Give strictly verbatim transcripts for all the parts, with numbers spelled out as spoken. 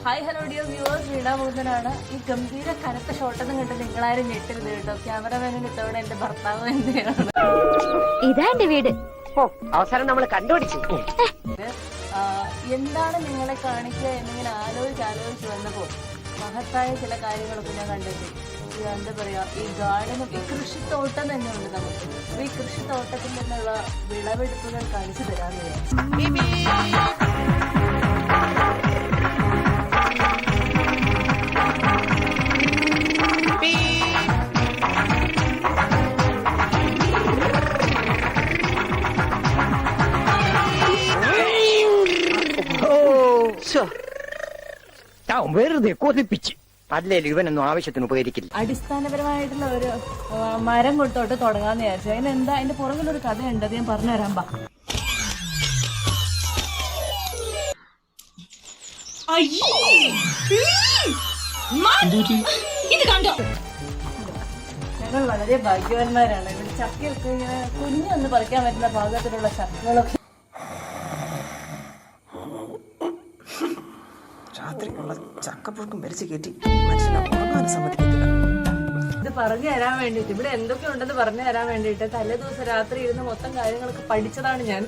Hi hello dear viewers, വീണാഭൂതനാണ്. ഈ ഗംഭീര കനത്ത ഷോട്ടൊന്നും കണ്ട് നിങ്ങളാരും ഞെട്ടരുത് കേട്ടോ. ക്യാമറമാനിന് ഇത്തവണ എന്റെ ഭർത്താവ് തന്നെയാണ്. ഇതാ എന്റെ വീട്. അവസാനം നമ്മൾ കണ്ടുപിടിച്ചു. എന്താണ് നിങ്ങളെ കാണിക്കുക എന്നിങ്ങനെ ആലോചിച്ച് ആലോചിച്ച് വന്നപ്പോൾ മഹത്തായ ചില കാര്യങ്ങളൊക്കെ ഞാൻ കണ്ടെത്തി. എന്താ പറയാ, ഈ ഗാർഡനും ഈ കൃഷിത്തോട്ടം തന്നെ ഉണ്ട് നമുക്ക്. അപ്പൊ ഈ കൃഷിത്തോട്ടത്തിൽ നിന്നുള്ള വിളവെടുപ്പുകൾ കാണിച്ചു തരാമെന്ന് വെറുതെ കൊതിപ്പിച്ച് അല്ലേലും ഇവനൊന്നും ആവശ്യത്തിന് ഉപകരിക്കില്ല. അടിസ്ഥാനപരമായിട്ടുള്ള ഒരു മരം കൊടുത്തോട്ട് തുടങ്ങാന്ന് വിചാരിച്ചു. അതിനെന്താ അതിന്റെ പുറകിലൊരു കഥയുണ്ട്, അത് ഞാൻ പറഞ്ഞുതരാം. ബാ, ഞങ്ങൾ വളരെ ഭാഗ്യവാന്മാരാണ്. ഇവിടെ ചക്കയൊക്കെ ഇങ്ങനെ കുഞ്ഞൊന്ന് പറിക്കാൻ പറ്റുന്ന ഭാഗത്തിലുള്ള ചക്കകളൊക്കെ രാത്രിയുള്ള ചക്കപ്പുഴുക്കും വലിച്ചു കയറ്റി മനുഷ്യനെ ഉറങ്ങാനും സമ്മതിക്കത്തില്ല. ഇത് പറഞ്ഞു തരാൻ വേണ്ടിട്ട്, ഇവിടെ എന്തൊക്കെ ഉണ്ടെന്ന് പറഞ്ഞു തരാൻ വേണ്ടിട്ട് തലേ ദിവസം രാത്രി ഇരുന്ന് മൊത്തം കാര്യങ്ങളൊക്കെ പഠിച്ചതാണ് ഞാൻ.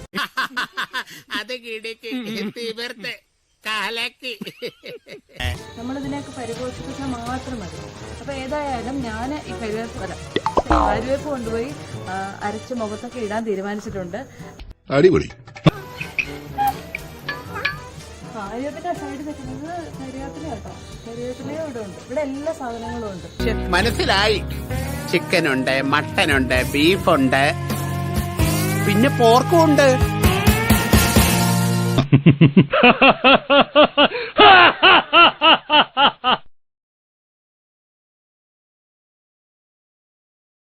നമ്മളിതിനെയൊക്കെ പരിപോഷിപ്പിച്ചാൽ മാത്രം മതി. അപ്പൊ ഏതായാലും ഞാൻ ഈ കരുവേപ്പ് അല്ല കരുവേപ്പ് കൊണ്ടുപോയി അരച്ച് മുഖത്തൊക്കെ ഇടാൻ തീരുമാനിച്ചിട്ടുണ്ട്. അടിപൊളി. കാര്യത്തിന്റെ സൈഡ് വെക്കുന്നത് കരിവേപ്പില കേട്ടോ. കരിവേപ്പിലയും ഇവിടെ ഉണ്ട്. ഇവിടെ എല്ലാ സാധനങ്ങളും ഉണ്ട്. മനസ്സിലായി. ചിക്കൻ ഉണ്ട്, മട്ടൻ ഉണ്ട്, ബീഫുണ്ട്, പിന്നെ പോർക്കും ഉണ്ട്.